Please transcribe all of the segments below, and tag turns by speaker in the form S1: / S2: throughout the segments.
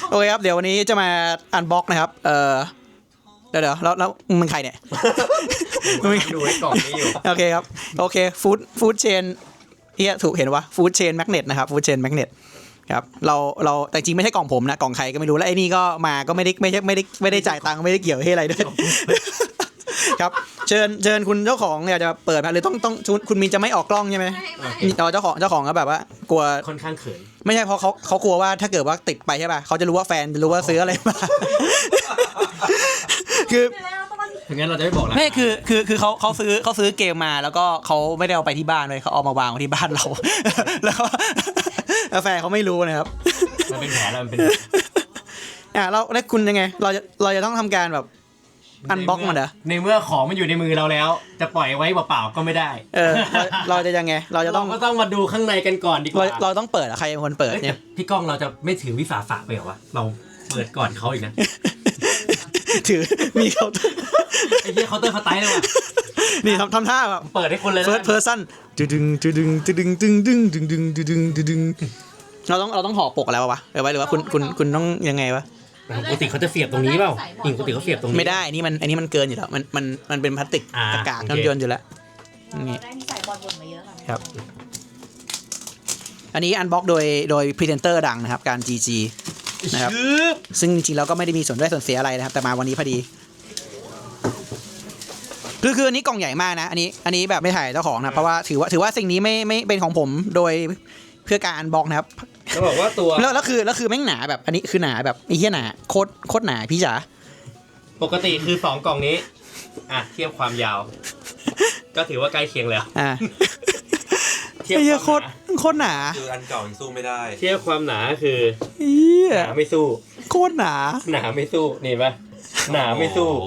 S1: โอเคครับเดี๋ยววันนี้จะมาอันบ็อกนะครับเดี๋ยวแล้วมึงใครเนี่ย
S2: ดูไอ้กล่องนี้อยู่
S1: โอเคครับโอเคฟู้ดเชนเฮียถูกเห็นวะฟู้ดเชนแมกเนตนะครับฟู้ดเชนแมกเนตครับเราแต่จริงไม่ใช่กล่องผมนะกล่องใครก็ไม่รู้แล้วไอ้นี่ก็มาก็ไม่ได้จ่ายตังค์ไม่ได้เกี่ยวให้อะไรด้วยครับเชิญคุณเจ้าของอยากจะเปิดมาหรือต้องคุณมินจะไม่ออกกล้องใช่ไหมเจ้าของก็แบบว่ากลัว
S2: ค่อนข้างเขิน
S1: ไม่ใช่เพราะเขากลัวว่าถ้าเกิดว่าติดไปใช่ป่ะเขาจะรู้ว่าแฟนจะรู้ว่าซื้ออะไรมาคือ
S2: ถึงงั้นเราจะไม่บอกแล้ว
S1: ไม่คือเขาซื้อเกมมาแล้วก็เขาไม่ได้เอาไปที่บ้านเลยเขาเอามาวางไว้ที่บ้านเราแล้วแฟนเขาไม่รู้นะครับ
S2: มันเป็นแผลแล้วมันเป็น
S1: แล้วคุณยังไงเราจะต้องทำการแบบอันบ็อกมันเหรอ
S2: ในเมื่อของมันอยู่ในมือเราแล้วจะปล่อยไว้เปล่าๆก็ไม่ได้
S1: เราจะยังไงเราจะต้อง
S2: ก็ต้องมาดูข้างในกันก่อนดีกว่า
S1: เราต้องเปิดใครเป็นคนเปิดเนี่ย
S2: พี่ก้องเราจะไม่ถือวิสาสะไปเหรอวะเราเปิดก่อนเขาอีกนะ
S1: ถือมีเคาน์เตอร์
S2: ไอ้เหี้ยเคาน์เตอร์เขาไตเลยว่ะ
S1: นี่ทำท่าแบบ
S2: เปิดให้คนเลยนะ
S1: first person ดึงเราต้องห่อปกอะไรวะหรือว่าคุณต้องยังไงวะ
S2: ปกติเขาจะเสียบตรงนี้เปล่าปกติเขาเสียบตรงนี้
S1: ไม่ได้อันนี้มันเกินอยู่แล้วมันเป็นพลาสติกกากๆย่นอยู่แล้วนี่
S3: ได้ที่ใส่บอลบนมาเยอะ
S1: ครับอันนี้อันบ็อกโดยพรีเซนเตอร์ดังนะครับการ GG นะครับซึ่งจริงๆแล้วก็ไม่ได้มีส่วนได้ส่วนเสียอะไรนะครับแต่มาวันนี้พอดีคืออันนี้กล่องใหญ่มากนะอันนี้แบบไม่ถ่ายเจ้าของนะเพราะว่าถือว่าสิ่งนี้ไม่เป็นของผมโดยเพื่อการอันบ็อกนะครับ
S2: จะบอกว่าตัว
S1: แล้วคือแม่งหนาแบบอันนี้คือหนาแบบไอ้เหี้ยหนาโคตรหนาพี่จ๋า
S2: ปกติคือ2กล่องนี้เทียบความยาวก็ถือว่าใกล้เคียงแล้ว
S1: เทียบโคตรหนา
S4: คืออันเก่ายังสู้ไม่ได้
S2: เทียบความหนาคือหนาไม่สู้
S1: โคตรหนา
S2: ไม่สู้นี่ปะหนาไม่สู้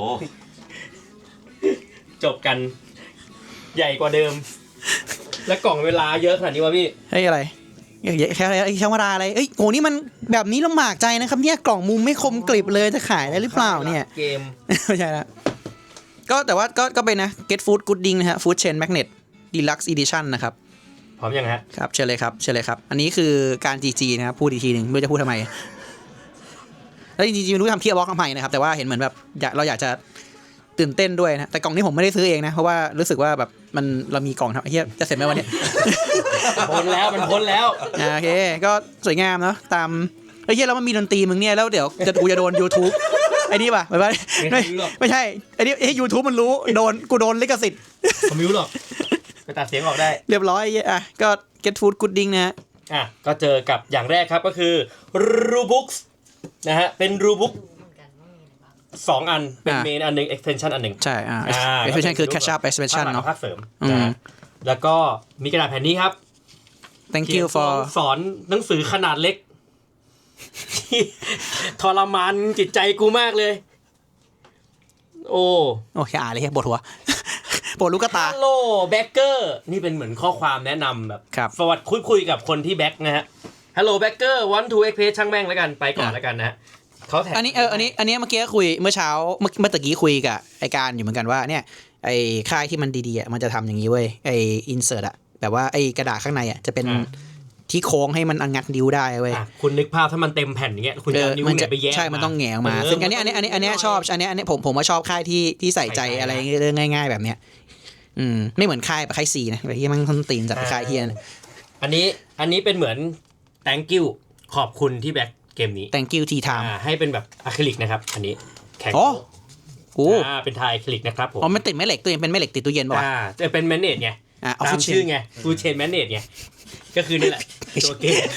S2: จบกันใหญ่กว่าเดิมและกล่องเวลาเยอะขนาดนี้วะพี่
S1: อะไรแค่ธรรมดาอะไรโหนี่มันแบบนี้ลำบากใจนะครับเนี่ยกล่องมุมไม่คมกริบเลยจะขายได้หรือเปล่าเนี่ย
S2: เกม
S1: ไม่ใช่ละก็แต่ว่าก็เป็นนะ Get Food Gooding นะฮะ Food Chain Magnet Deluxe Edition นะครับ
S2: พร้อมยังฮะ
S1: ครับเชิญเลยครับอันนี้คือการ GG นะครับพูดอีกทีนึงไม่รู้จะพูดทำไมแล้วจริงๆไม่รู้ทำเพี้ยบล็อกทำไมนะครับแต่ว่าเห็นเหมือนแบบเราอยากจะตื่นเต้นด้วยนะแต่กล่องนี้ผมไม่ได้ซื้อเองนะเพราะว่ารู้สึกว่าแบบเรามีกล่องครับเฮียจะเสร็จไหมวันนี้
S2: พ้นแล้ว
S1: โอเคก็สวยงามเนาะตามเฮียแล้วมันมีดนตรีมึงเนี่ยแล้วเดี๋ยวกูจะโดน YouTube ไอ้นี่ป่ะไม่ใช่ไอ้นี่YouTube มันรู้กูโดนลิขสิทธิ์
S2: ผมไม่รู้หรอกไปตัดเสียงออกได้
S1: เรียบร้อยก็ Get Food Gooding นะ
S2: ก็เจอกับอย่างแรกครับก็คือ Robux นะฮะเป็น Robux 2 อันเป็นเมนอันนึง extension อันนึง
S1: ใช่extension คือ catch up extension เนาะ
S2: ภาคเสริมแล้วก็มีกระดาษแผ่นนี้ครับ
S1: thank you for
S2: สอนหนังสือขนาดเล็กทรมานจิตใจกูมากเลยโอ้
S1: อ่านเลยปวดหัวปวดลูกตา
S2: Hello Backer นี่เป็นเหมือนข้อความแนะนำแบบสวัสดีคุยกับคนที่แบ็กนะฮะ Hello Backer want to expect ช่างแม่งแล้วกันไปก่อนแล้วกันนะเขาแท็กอันนี้
S1: เมื่อกี้คุยเมื่อเช้าเมื่อตะกี้คุยกับไอการอยู่เหมือนกันว่าเนี่ยไอค่ายที่มันดีๆมันจะทำอย่างนี้เว้ยไอ insert แบบว่าไอกระดาษข้างในจะเป็นที่โค้งให้มันงัดนิ้วได้เว้ย
S2: คุณนึกภาพถ้ามันเต็มแผ่นอย่างเงี้ยคุณจะนิ้วเนี่ยไปแยก
S1: ใช่มันต้องแหงออกมาซึ่งอันนี้ชอบอันนี้ผมว่าชอบค่ายที่ใส่ใจอะไรเรื่องง่ายๆแบบเนี้ยไม่เหมือนค่ายซีนะแบบที่มันต้นตีนจัดค่ายเฮีย
S2: อันนี้เป็นเหมือน thank you ขอบคุณที่แบ็คเกมนี้
S1: thank you ทีไทม์
S2: ให้เป็นแบบอะคริลิกนะครับอันนี้แข็งเป็นไทยอะคริลิกนะครับผม
S1: มันติดแม่เหล็กตัวเองเป็นแม่เหล็กติดตู้เย็นป่ะ
S2: จะเป็นแมนเนจไงตามชื่อไงฟูเชนแมนเนจไงก็คือนี่แหละตัวเกม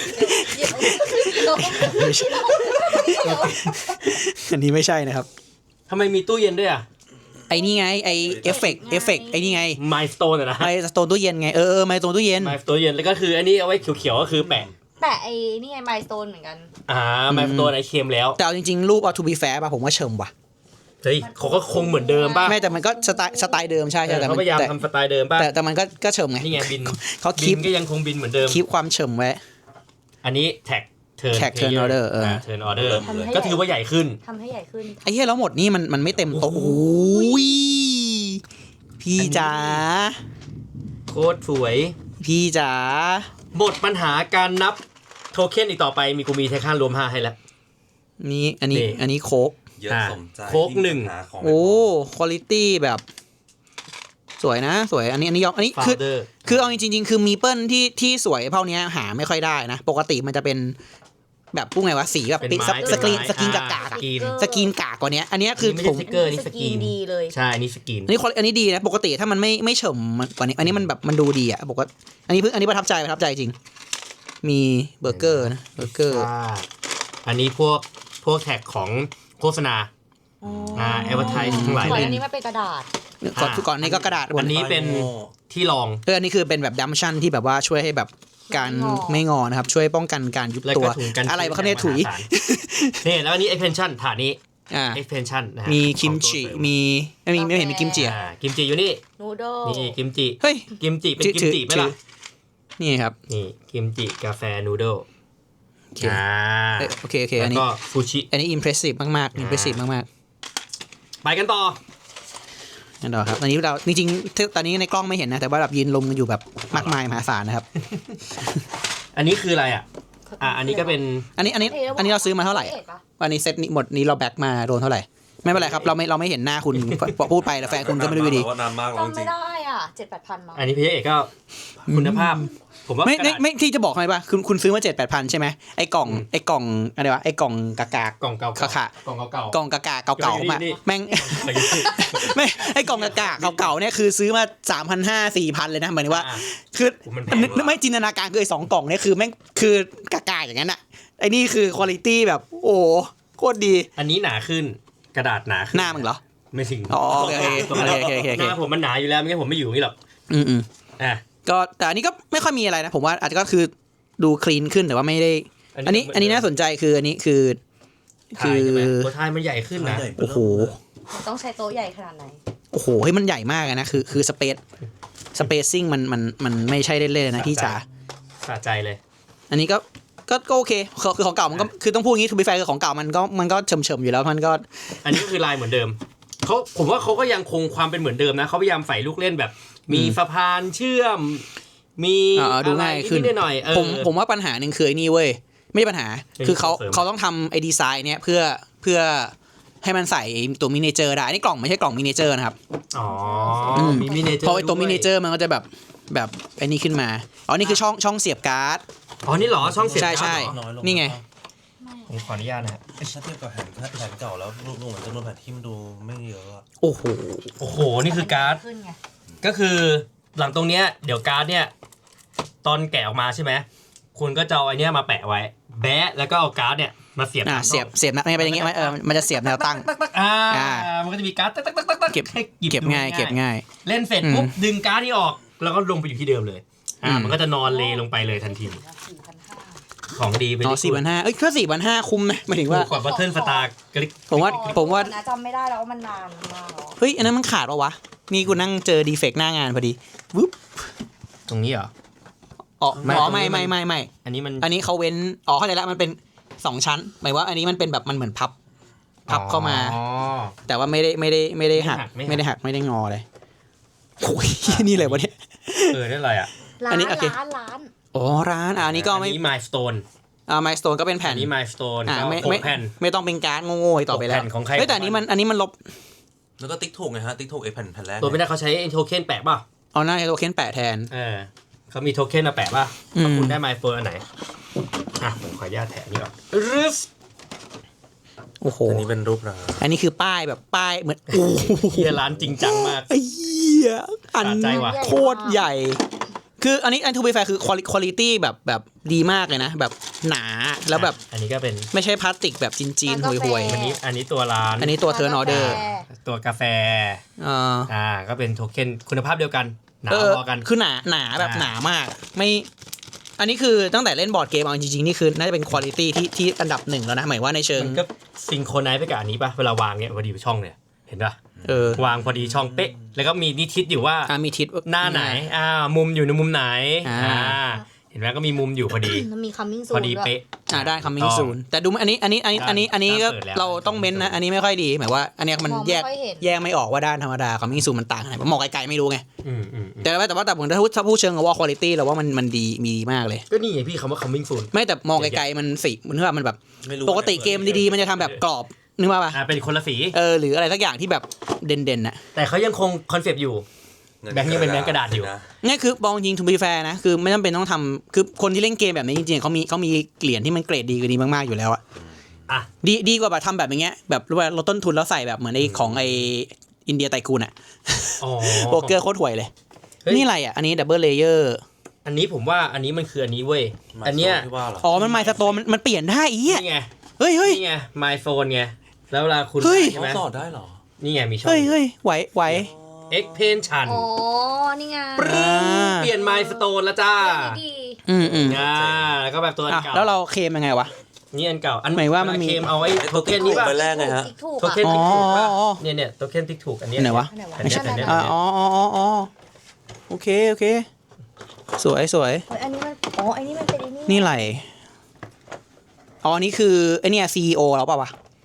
S1: อันนี้ไม่ใช่นะครับ
S2: ทำไมมีตู้เย็นด้วย
S1: ไอ้นี่ไงไอเอฟเฟกต์ไอ้นี่ไง
S2: มายสโตนนะ
S1: มายสโตนตู้เย็นไงมายสโตนตู้เย็น
S2: แล้วก็คืออันนี้เอาไว้เขียวๆก็คือแปะ
S3: ไอ้นี่ไงมายสโตนเหมือนกัน
S2: มายสโตนไอ้เค็มแล้ว
S1: แต่เอาจริงๆรูปเอา to be fair ป่ะผมว่าเชิมว่ะ
S2: เฮ้ยเขาก็คงเหมือนเดิมป่ะ
S1: ไม่แต่มันก็สไตล์เดิมใช่แต่
S2: เขาพยายามทำสไตล์เดิมป่ะ
S1: แต่มันก็เชิมไง
S2: นี่ไงบิน
S1: เขาคีป
S2: ก็ยังคงบินเหมือนเดิม
S1: คีปความเชิมไว้
S2: อันนี้แท็ก
S1: turn order
S2: turn order ก็ถือว่าใหญ่ขึ้น
S3: ทำให้ใหญ่ขึ้น
S1: ไอ้เหี้ยแล้วหมดนี่มันไม่เต็มโต๊ะโอ้ยพี่จ๋า
S2: โคตรสวย
S1: พี่จ๋า
S2: หมดปัญหาการนับโทเค็นอีกต่อไปกูมีไททันรวม5ให้แล้ว
S1: อันนี้โค้ก
S4: เยอะสมใจ
S2: โค้กหนึ่ง
S4: ของ
S1: โอ้คุณภาพแบบสวยนะสวยอันนี้ยอมอันนี้คือ
S2: Founder
S1: คือเอาจริงๆคือมีเปิลที่สวยเท่านี้หาไม่ค่อยได้นะปกติมันจะเป็นแบบพูดไงวะสีแบบ
S2: เป็นไม้
S1: สกรีน
S2: เป็นไม้
S1: สกรีนกากา
S2: สกรีน
S1: สกรีนกากกว่านี้อันนี้คือ
S2: ไม่
S1: ผ
S2: ใช่
S1: ม
S2: สติ๊กเกอร์นี่สกรีน
S3: ดีเลย
S2: ใช่อันนี้สกรีน
S1: อันนี้ดีนะปกติถ้ามันไม่เฉมกว่านี้อันนี้มันแบบมันดูดีอ่ะปกติอันนี้ประทับใจจริงมีเบอร์เกอร์นะเบอร์เกอร์
S2: อันนี้พวกแท็กของโฆษณาแอดเวอร์ไทส์ทั้งหลาย
S3: ก่อน
S2: เลย
S3: อันนี้มันเป็นกระดาษ
S1: ก่อนนี้ก็กระดาษ
S2: อันนี้เป็นที่รอง
S1: อันนี้คือเป็นแบบดัมชั่นที่แบบว่าช่วยให้แบบการไม่งอนะครับช่วยป้องกันการยุบ
S2: แล้ว
S1: ตัว
S2: ก็ถุงกัน
S1: อะไรวะเขาเนี่ยถุย
S2: นี่แล้วอันนี้ expansion ถาดนี้ expansion นะฮะ
S1: มีคิมจิมีไม่เห็นมีกิมจิอ่ะ
S2: กิมจิอยู่นี่
S3: นูโด
S2: นี่กิมจิ
S1: เฮ้ย
S2: กิมจิเป็นกิมจิไหมล่ะ
S1: นี่ครับ
S2: นี่กิมจิกาแฟนูโด
S1: โอเคโอเคอั
S2: แล้
S1: น
S2: ว
S1: นี้
S2: ก็ฟูชิ
S1: อันนี้อิมเพรสซีฟมากๆอิมเพรสซีฟมาก
S2: ไปกันต่อ
S1: ๆนั่นต่อครับอันนี้เราจริงๆตอนนี้ในกล้องไม่เห็นนะแต่ว่าแบบยืนลมกันอยู่แบบมากมายมหาศาลนะครับ
S2: อันนี้คืออะไรอ่ะอันนี้ก็เป็น
S1: อันนี้เราซื้อมาเท่าไหร่วันนี้เซตนี้หมดนี้เราแบ็กมาโดนเท่าไหร่ไม่เป็นไรครับเราไม่เห็นหน้าคุณพูดไปแล้วแฟนคุณก็ไม่รู้อยู่ดี
S4: ว่านานมากแล้วจ
S3: จำ
S4: ริ
S3: ไม่
S4: ง
S3: ได้อ่ะ7-8 พันมั้ง
S2: อันนี้พี่เอกก็คุณภาพ ผมว่า
S1: ไม่ที่จะบอกทำไมป่ะคุณซื้อมา7-8 พันใช่ไหมไอ้กล่องอะไรวะไอ้กล่องกากาก
S2: ล่องเก่า
S1: ค่ะ
S2: กล่องเก่าก
S1: ล่องกากาเก่าๆมา
S2: นี่
S1: แม่ง ไม่ไอ้กล่องกากาเก่าๆเนี่ยคือซื้อมา3,500-4,000เลยนะหมายถึงว่า คือไม่จินตนาการคือไอ้2 กล่องเนี่ยคือแม่งคือกากาอย่างนั้นอ่ะไอ้นี่คือคุณภาพแบบโอ้โคตรดี
S2: อันนี้หนาขึ้นกระดาษหนาขึ้น
S1: หน้ามึงเหรอ
S2: ไม่ถึง
S1: อ๋อโอเคโอเค
S2: หน้าผมมันหนาอยู่แล้วไม่งั้นผมไม่อยู่อย่างนี้หรอก อ่ะ
S1: ก็แต่อันนี้ก็ไม่ค่อยมีอะไรนะผมว่าอาจจะก็คือดูคลีนขึ้นแต่ว่าไม่ได้ อันนี้น่าสนใจคืออันนี้คือ
S2: ถ่ายใช่ไหมตัวท้ายมันใหญ่ขึ้นนะ
S1: โอ้โห
S3: ต้องใช้โต๊ะใหญ่ขนาดไหน
S1: โอ้โหเฮ้ยมันใหญ่มากเลยนะคือสเปซซิ่งมันไม่ใช่เล่นๆเลยนะพี่จ๋า
S2: สะใจเลย
S1: อันนี้ก็โอเคคือของเก่ามันก็คือต้องพูดอย่างนี้ทูบีแฟร์คือของเก่ามันก็เฉมๆอยู่แล้วมันก็
S2: อันนี้ก็คือลายเหมือนเดิมผมว่าเขาก็ยังคงความเป็นเหมือนเดิมนะเขาพยายามใส่ลูกเล่นแบบ มีสะพานเชื่อม มีอะไร
S1: ดูง่ายขึ้น
S2: นิดๆหน่อยๆ
S1: ผมว่าปัญหาหนึ่งคือไอ้นี่เว้ยไม่ใช่ปัญหาคือเขาต้องทำไอ้ดีไซน์เนี้ยเพื่อให้มันใส่ตัวมินิเจอร์ได้นี่กล่องไม่ใช่กล่องมินิเจอร์นะครับ
S2: อ๋อมีมินิเจอร์
S1: เพราะไอ้ตัวมินิเจอร์มันก็จะแบบไอ้นี่ขึ้นมาอ๋อนี่คือช่องเสียบการ์ด
S2: อ๋อนี่เหรอช่องเสียบ
S1: ใช่
S2: การ์ดเหรอ
S4: น้อยลง
S1: นี่ไง
S2: ผมขออนุญาตนะฮะ
S4: ถ้าเทียบกับแผ่นเก่าแล้วดูเหมือนจำนวนแผ่นที่มันดูไม่เยอะอะ
S1: โอ้โห
S2: โอ้โหนี่คือการ์ด
S3: ขึ้นไง
S2: ก็คือหลังตรงเนี้ยเดี๋ยวการ์ดเนี่ยตอนแกะออกมาใช่ไหมคุณก็จะเอาไอเนี้ยมาแปะไว้แบะแล้วก็เอาการ์ดเนี่ยมาเสียบ
S1: เสียบนะไม่เป็นอย่างงี้ไหมมันจะเสียบแนวตั้ง
S2: มันก็จะมีการ์ดตักให้หยิบ
S1: เก็บง่าย
S2: เล่นเสร็จปุ๊บดึงการ์ดนี่ออกแล้วก็ลงไปอยู่ที่เดิมเลยมันก็จะนอนเลลงไปเลยทันที
S3: 4,500
S2: ของดีไป
S1: อ๋อ4,500แค่4,500คุ้มนะหมายถึงว่า
S2: กว่าบัตเทิลสตาร์กลิก
S1: ผมว่า
S3: นะจำไม่ได้แล้วว่ามันนานมากแล้ว
S1: เฮ้ยอันนั้นมันขาดปะวะนี่กูนั่งเจอดีเฟกต์หน้างานพอดีวึบ
S2: ตรงนี้เหรอ
S1: อ๋อ
S2: ไม่
S1: ไม่
S2: อันนี้มัน
S1: อันนี้เขาเว้นเข้าใจแล้วมันเป็น2 ชั้นหมายว่าอันนี้มันเป็นแบบมันเหมือนพับเข้ามา แต่ว่าไม่ได้หักไม่ได้งอเลยโอ้ยนี่เลยวะเนี่ย
S2: ได้อะไรอ่ะ
S1: อันนี้โอเค
S3: ร้าน
S1: อ๋อร้านอันนี้ก็ไม่
S2: อันนี้ Milestone
S1: ไมล์สโตนก็เป็นแผ่
S2: อั
S1: น
S2: นนี้ Milestone ก็
S1: ไม่
S2: 6แผ่น
S1: ไม่ต้องเป็นการ์ดโง่ๆต่อไปแล้ว
S2: 6แผ่นของใคร
S1: เฮ้ยแต่อันนี้มันลบ
S4: แล้วก็ติ๊กถูกไงฮะติ๊กถูกไอ้แผ่นแรก
S2: ตัวไม่ได้เขาใช้โทเค็นแปะป่ะ
S1: เอาหน้าโทเค็นแปะแทน
S2: เขามีโทเค็นมาแปะป่ะ
S1: อืม
S2: ถ้าคุณได้ Milestone อันไหนผมขออนุญาตแถะนี่ก่อนรึส
S1: โอ้โห
S4: อันนี้เป็นรูปร้าน
S1: อันนี้คือป้ายแบบป้ายเหมือนโอ้โห
S2: เฮียร้านจริงจังมาก
S1: ไอ้เหี้ยอัน
S2: สะใจว่ะ
S1: โคตรใหญ่ คืออันนี้ทูบีแฟร์คือคุณภาพแบบดีมากเลยนะ แบบหนาแล้วแบบ
S2: อันนี้ก็เป็น
S1: ไม่ใช่พลาสติกแบบจีนๆห่วย
S2: อันนี้ตัวร้าน
S1: ๆอันนี้ตัวเทิร์นออเดอร์
S2: ตัวกาแฟ ก็เป็นโทเค็นคุณภาพเดียวกันหนาพอกัน
S1: คือหนาแบบหนามากไม่อันนี้คือตั้งแต่เล่นบอร์ดเกมเอาจริงๆนี่คือน่าจะเป็นคุณภาพที่อันดับ 1แล้วนะหมายว่าในเชิง
S2: มันก็ซิงโครไนซ์ไปกับอันนี้ป่ะเวลาวางเนี่ยพอดีช่องเนี่ยเห็นป่ะ วางพอดีช่องเป๊ะแล้วก็มีนิทิศอยู่ว่า
S1: มีทิศ
S2: หน้าไหนมุมอยู่ในมุมไหนเห็นไหมก็มีมุมอยู่พอดี
S3: มันมี coming
S2: พอ
S3: soon
S2: ดี
S3: ด้วย
S2: เป๊ะ
S1: ได้คัมมิ่งซูนแต่ดูอันนี้ก็
S2: เปิดแล้ว
S1: เราต้องเม้นนะอันนี้ไม่ค่อยดีหมายว่าอันเนี้ยมัน
S3: มอง
S1: แย
S3: ไม่
S1: ก
S3: ค่อยเห็น
S1: แยกไม่ออกว่าด้านธรรมดาคัมมิ่งซูนมันต่างกันไหนมองไกลๆไม่รู้ไง
S2: อืม
S1: แต่ผมถ้าพูดเชิงว่าคุณภาพเราว่ามันดีมีดีมากเลย
S2: ก็นี่ไงพี่คำว่า coming soon
S1: ไม่แต่มองไกลๆมันสีมันคือว่ามันแบบ
S4: ไม่รู้
S1: ปกติเกมดีๆมันจะทำแบบกรอบนึกว่าป่ะ
S2: เป็นคนละสี
S1: หรืออะไรสักอย่างที่แบบเด่นๆน่ะ
S2: แต่เขายังคงคอนเซปต์อยู่ แบงค์ยังเป็นแบงค์กระดาษอยู่
S1: นี่คือบองยิงทูบีแฟร์นะคือไม่จำเป็นต้องทำคือคนที่เล่นเกมแบบนี้จริงๆเขามีเหรียญที่มันเกรดดีกว่านี้มากๆอยู่แล้วอะ
S2: อ่ะ
S1: ดีกว่าแบบทำแบบอย่างเงี้ยแบบรู้ว่าลดต้นทุนแล้วใส่แบบเหมือนไอ้ของไอ้อินเดียไตกูนอะ
S2: อ๋อ
S1: โบรกเกอร์โคตรห่วยเลย
S2: เฮ้ย
S1: นี่อะไรอะอันนี้ดับเบิลเลเยอร์
S2: อันนี้ผมว่าอันนี้มันคืออันนี้เว้ย อันเนี้ย
S4: ที่ว่าเหรอ
S1: อ๋อมันไมล์สโตนมันเปลี่ยนได้อี
S2: นี่ไง
S1: เฮ้ย
S2: นี่ไง my phone ไง แล้วเวลาคุณ
S1: เฮ้ย
S2: ใช่ไหม
S4: เขาสอดได้เหรอ
S2: นี่ไงมีช่อง
S1: เฮ้ยไหว
S2: expansion
S3: อ๋อ นี่ไง
S2: เปลี่ยน my stone แล้วจ้า
S3: ดี
S1: อืม
S2: แล้วก็แบบตัวอันเก่า
S1: แล้วเราเคลมยังไงวะ
S2: นี่อันเก่า อัน
S1: หมายว่ามันมี
S2: เคมเอาไอ้โทเค็นนี้ป่ะ
S4: ไปแรกไงฮะ
S3: ถูก
S2: โทเค็น
S3: อ่ะ
S2: ติ๊กถูกป่ะ
S1: อ๋อ
S2: เนี่ยโทเค็นติ๊กถูกอันเนี้ย
S1: ไหนวะ
S3: อันไหนวะ
S2: อันเนี้ยอันเนี้ย
S1: อ๋อโอเคสวย
S3: เฮ้ยอันนี้มันอันนี้มันเป็นไอ้นี่
S1: นี่ไรอ๋ออันนี้คือไอเนี่ย CEO แล้วป่าววะ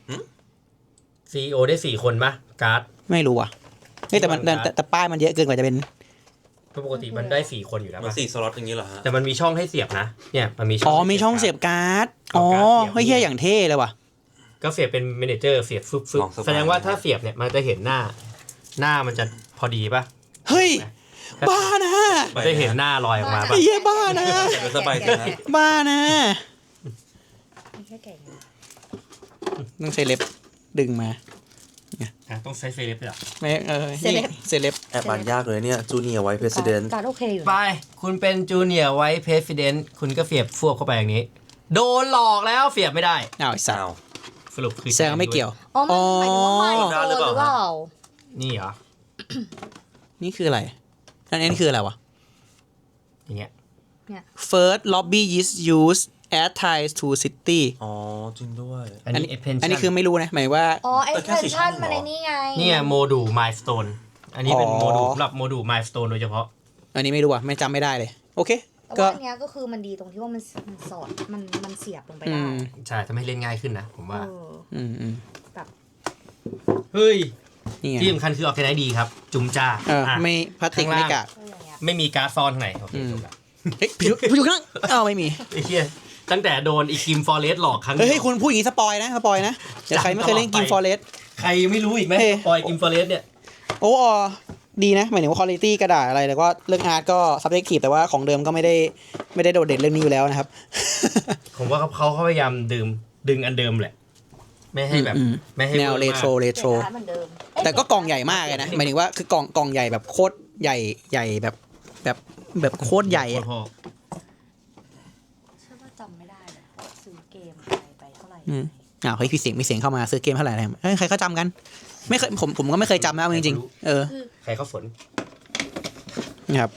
S2: CEO ได้4คนป่ะการ์ด
S1: ไม่รู้อ่ะเฮ้ยแต่มัน
S2: ที่มัน
S1: แต่ป้ายมันเยอะเกินกว่าจะเป็น
S2: ปกติมันได้4คนอยู่แล้ว
S4: มัน
S2: ป่ะ
S4: 4 สล็อตอย่างนี้เหรอฮะ
S2: แต่มันมีช่องให้เสียบนะ เนี่ยมันมีช่อง
S1: อ๋อ
S2: ให้
S1: มีช่องเสียบการ์ด อ๋อ เฮ้ยเฮียอย่างเท่เลยว่ะ
S2: ก็เสียบเป็นเมเนเจอร์เสียบฟึบ
S4: ลองสบาย
S2: แสดงว่าถ้าเสียบเนี่ยมันจะเห็นหน้ามันจะพอดีป่ะ
S1: เฮ้ย บ้านะ
S2: มันจะเห็นหน้าลอยออกมา
S1: ไอ้
S2: ป่ะ
S1: เหี้ยบ้านะ
S4: เดี๋ยวสบายใจฮะ
S1: บ้านะ
S3: ไม่ใช่แก่ไง
S1: ต้องใช้เล็บดึงมา
S2: ต้องใช้เซเลบด้วยเหรอ
S1: ไม่เซเลบ
S4: แอบอ่านยากเลยเนี่ยจูเนียร์ไวท์เพรสิดเนต์
S3: การโอเคอยู่
S2: ไป
S3: นะ
S2: คุณเป็นจูเนียร์ไว้เพรสิดเนนต์คุณก็เสียบฟวบเข้าไปอย่างนี้ โดนหลอกแล้วเสียบไม่ได้
S1: อ้าวไอ้สัตว์
S2: สรุปคือ
S1: แซงไม่เกี่ยว
S3: อ๋อมันหมายถึงว่าไม่โดนหรือเปล่า
S2: นี่เหรอ
S1: นี่คืออะไรอันนี้คืออะไรวะ
S2: อย่างเงี้ย
S1: First lobby is used add ties to city
S4: อ๋อจริงด้วย
S2: อันนี้ expansion
S1: อันนี้คือไม่รู้นะหมายว่า
S3: อ๋อไอ้เพนชั่นมันไอ้นี่ไง
S2: นี่ไงโมดูล milestone อันนี้เป็น
S1: อ๋อ
S2: โมดูลสำหรับโมดูล milestone โดยเฉพาะ
S1: อันนี้ไม่รู้อ่ะไม่จำไม่ได้เลย โอเค
S3: แต่
S1: ก็
S3: ว่าอันเนี้ยก็คือมันดีตรงที่ว่ามันสอดมันเสียบลงไป
S1: อื
S3: ได้
S1: ม
S2: ใช่ทำให้เล่นง่ายขึ้นนะ ผมว่า
S1: อืม
S2: เฮ้ย
S1: นี่ไง
S2: ที่สำคัญคือออร์แกไนซ์ดีครับ จุ่มจ้า
S1: อ่ะไม่พลาสติก
S2: ข้างล่าง
S1: ไม่กาด
S3: ก็อย่างเงี้ย
S2: ไม่มีการ์ดซ้อนข้างในโอเค
S1: อืม
S2: จบละ
S1: เฮ้ยอยู่ข้างอ้าวไม่มี
S2: ไอ้เหี้ยตั้งแต่โดนอีกิมฟอร์เรสหลอกครั้ง
S1: เฮ้ย
S2: เดียว
S1: คุณพูดอย่างนี้สปอยนะเดี๋ยวใครไม่เคยเล่นกิมฟอร์เรส
S2: ใครยังไม่รู้อีกไหม
S1: เฮ้ย
S2: ปล่อยกิมฟอร์เรสเนี่ย
S1: โอ้ดีนะหมายถึงว่าคุณภาพกระดาษอะไรแล้วก็เรื่องอาร์ตก็ subjective แต่ว่าของเดิมก็ไม่ได้โดดเด่นเรื่องนี้อยู่แล้วนะครับ
S2: ผมว่าเขาพยายามดึงอันเดิมแหละ ไม่ให้แบบ
S1: อืม
S2: ไม่ให้
S1: แนว
S2: วอ
S1: เร
S2: มาก
S1: โทร
S3: เสียบการ์ดเหมือนเดิมเอ้ย
S1: แต่ก็กล่องใหญ่มากเลยนะหมายถึงว่าคือกล่องใหญ่แบบโคตรใหญ่แบบโคตรใหญ่อะ
S2: โคตรพ่อ
S3: เชื่อว่าจำไม่ได้เลยว่าซื้อเกมไปเท่าไหร่
S1: อ้าวเฮ้ยมีเสียงเข้ามาซื้อเกมเท่าไหร่อะไรเฮ้ยใครเขาจำกันไม่เคยผมก็ไม่เคยจำนะเอาจริงๆ
S2: ใครเขาสน
S1: นะครับ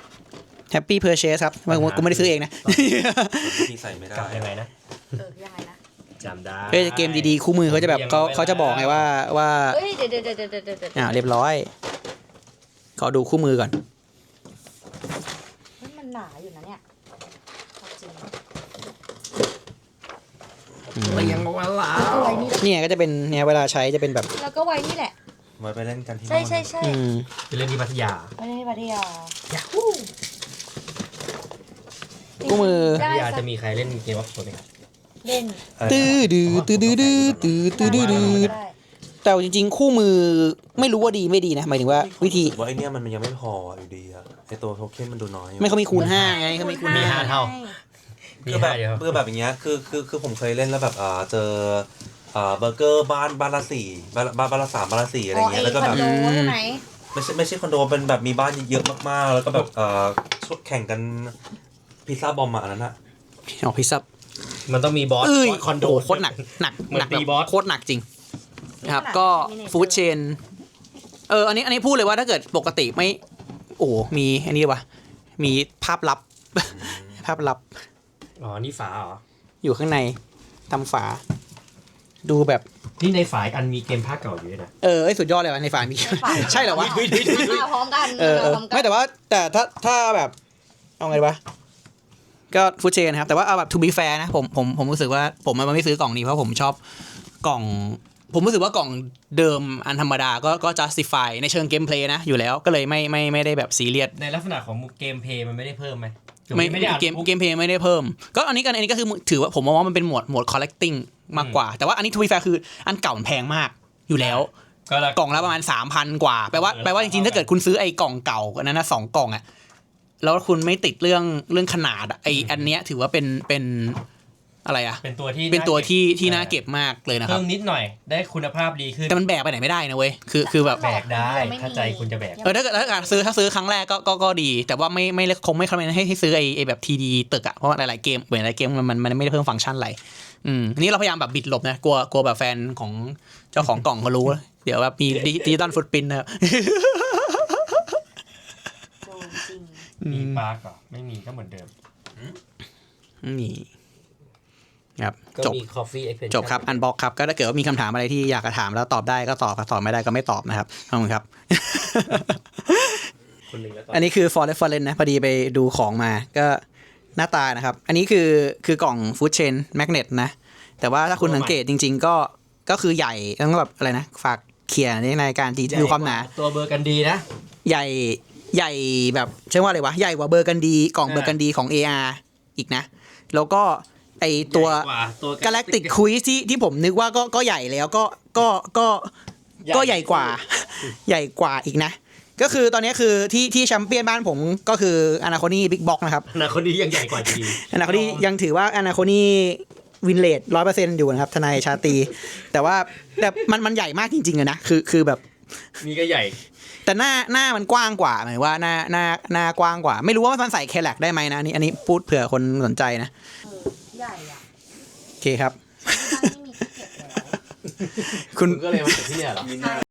S1: Happy Purchase ครับกูไม่ได้ซื้อเองนะ
S4: ที่ใส่ไม่ได้
S2: กลับยังไงนะ
S3: ยังไงนะ
S2: จำได้
S1: เฮ้ยเกมดีๆคู่มือเขาจะแบบเขาจะบอกไงว่า
S3: เฮ้ยเดี๋ยว
S1: เรียบร้อยขอดูคู่มือก่อน
S3: มันหนาอยู่นะเนี่ยจริง
S2: เลี้ยงมาแล้
S3: แล้วก็
S2: ว
S3: ไว้นี่
S1: เนี่ยก็จะเป็นเนี่ยเวลาใช้จะเป็นแบบ
S3: แล้วก็ไว้นี่แหละ
S4: ไว้ไปเล่นกันที่
S3: ใช่
S4: นู่น
S3: ใช่ใช่
S1: อืม
S2: ไปเล่นที่พัทยา
S3: ไว้ในพัทยา
S1: คู่มือ
S2: พั
S3: ได้
S2: ทยา
S3: สั
S2: จะ
S3: ก
S2: มีใครเล่นเกมวอล์กโซนไหมครับ
S3: เล่น
S1: ตื้อดื้อตื้อดื้อดื้อตื้อตื้อดื้อดื้อ
S3: ได้
S1: แต่จริงๆคู่มือไม่รู้ว่าดีไม่ดีนะหมายถึงว่าวิธี
S4: ว่าไอเนี้ยมันยังไม่พออยู่ดีอะไอตัวโทเค็นมันดูน้อย
S1: ไม่เขามีคูณ5ไงเขามีคูณ
S2: มี
S1: 5
S2: ห้าเท่า มี
S4: คือแบบ
S2: ห้าเดียว
S4: คือแบบอย่างเงี้ยคือผมเคยเล่นแล้วแบบเจอเบอร์เกอร์บ้านละ4บ้านละ3บ้านละ4อะไรเงี้ยแล้วก็แบบ
S3: คอนโดใช่ไหม
S4: ไม่ใช่คอนโดเป็นแบบมีบ้านเยอะมากๆแล้วก็แบบชุดแข่งกันพิซซ่าบอมมาอันนั้นอะ
S1: อ๋อพิซซ่า
S2: มันต้องมีบอส
S1: เอ้ย
S2: คอนโด
S1: โอ้โหโคตรหนัก
S2: เหมือน
S1: หนัก
S2: ตี
S1: แบบ
S2: บอส
S1: โคตรหนักจริงนะครับก็ฟู้ดเชนอันนี้พูดเลยว่าถ้าเกิดปกติไม่โอ้มีอันนี้วะมีภาพลับ ภาพลับ
S2: อ๋อ นี่ฝาเหรอ
S1: อยู่ข้างในทำฝา ดูแบบ
S2: นี่ในฝาอีกอันมีเกมภาคเก่าอยู่ด้วยนะ
S1: สุดยอดเลยวะในฝามี ใช่เหรอวะ
S3: มาพร้อมกัน
S1: ไม่แต่ว่าแต่ถ้าแบบเอาไงวะก็ฟู้ดเชนครับแต่ว่าเอาแบบ to be fair นะผมรู้สึกว่าผมมันไม่ซื้อกล่องนี้เพราะผมชอบกล่องผมรู้สึกว่ากล่องเดิมอันธรรมดาก็ justify ในเชิงเกมเพลย์นะอยู่แล้วก็เลยไม่ได้แบบซีเรียส
S2: ในลักษณะของเกมเพลย์มันไม่ได้เพิ่มไหม
S1: ไม่ได้เกมเพลย์ไม่ได้เพิ่มก็อันนี้ก็คือถือว่าผมมองว่ามันเป็นหมวด collecting มากกว่าแต่ว่าอันนี้ to be fair คืออันเก่ามันแพงมากอยู่แล้วกล่องละประมาณ 3,000 กว่าแปลว่าจริงๆถ้าเกิดคุณซื้อไอ้กล่องเก่านั้นนะ2กล่องอ่ะแล้วคุณไม่ติดเรื่องขนาดไอ้อันเนี้ยถือว่าเป็นอะไรอ่ะ
S2: เป็นตัว
S1: ที่น่าเก็บมากเลยนะครับ
S2: เพิ่มนิดหน่อยได้คุณภาพดีขึ้น
S1: แต่มันแบกไปไหนไม่ได้นะเว้ยคือแบบ
S2: แบกได้ถ้าใจคุณจะแบก
S1: ถ้าซื้อครั้งแรกก็ดีแต่ว่าไม่คงไม่คำนึงให้ซื้อไอ้แบบทีดีตึกอ่ะเพราะว่าหลายๆเกมเหมือนหลายเกมมันไม่ได้เพิ่มฟังก์ชันอะไรอันนี้เราพยายามแบบบิดหลบนะกลัวแบบแฟนของเจ้าของกล่องเขารู้เดี๋ยวแบบมีดิจิตอลฟุตปรินท์นะครับ
S3: โดนจริง
S2: มีปาร์กอ่ะไม่มีก็เหมือนเดิม
S1: นี่ครับ
S2: ก็
S1: จบ
S2: มี Coffee Expansion
S1: จบครับอันบ็อกครับก็ถ้าเกิดว่ามีคำถามอะไรที่อยากจะถามแล้วตอบได้ก็ตอบไม่ได้ก็ไม่ตอบนะครับขอบคุณครับ
S2: คนหนึ่งแล้วต่อ
S1: อันนี้คือ Forest นะพอดีไปดูของมาก็หน้าตานะครับอันนี้คือกล่อง Food Chain Magnet นะแต่ว่าถ้าคุณสังเกตจริงๆก็คือใหญ่ต้องแบบอะไรนะฝากเขียนในการดูความหนา
S2: ตัวเบอร์กันดีนะ
S1: ใหญ่แบบใช่ว่าอะไรวะใหญ่กว่าเบอร์กันดีกล่องเบอร์กันดีของ AR อีกนะแล้วก็ไอตัว Galactic Quiz ที่ผมนึกว่าก็ใหญ่แล้วก็ใหญ่กว่าใหญ่กว่าอีกนะก็คือตอนนี้คือที่แชมเปี้ยนบ้านผมก็คืออนาโคนี่บิ๊กบ็อกนะครับ
S2: อนาคตนี้ยังใหญ่กว่าดี
S1: อนาโคนี่ยังถือว่าอนาโคนี่วินเลด 100% อยู่นะครับทนายชาตรีแต่มันใหญ่มากจริงๆอะนะคือแบบ
S2: นี่ก็ใหญ่
S1: แต่หน้ามันกว้างกว่าหมายว่าหน้ากว้างกว่าไม่รู้ว่ามันใส่แคลแลกได้ไหมนะอันนี้พูดเผื่อคนสนใจนะ
S3: ใหญ่อ่ะ
S1: โอเคครับ
S3: ที่บ้านไม่มีที่เก็บแล้ว
S1: คุณ
S2: ก็เลยมาจากที่เนี่ยเหรอ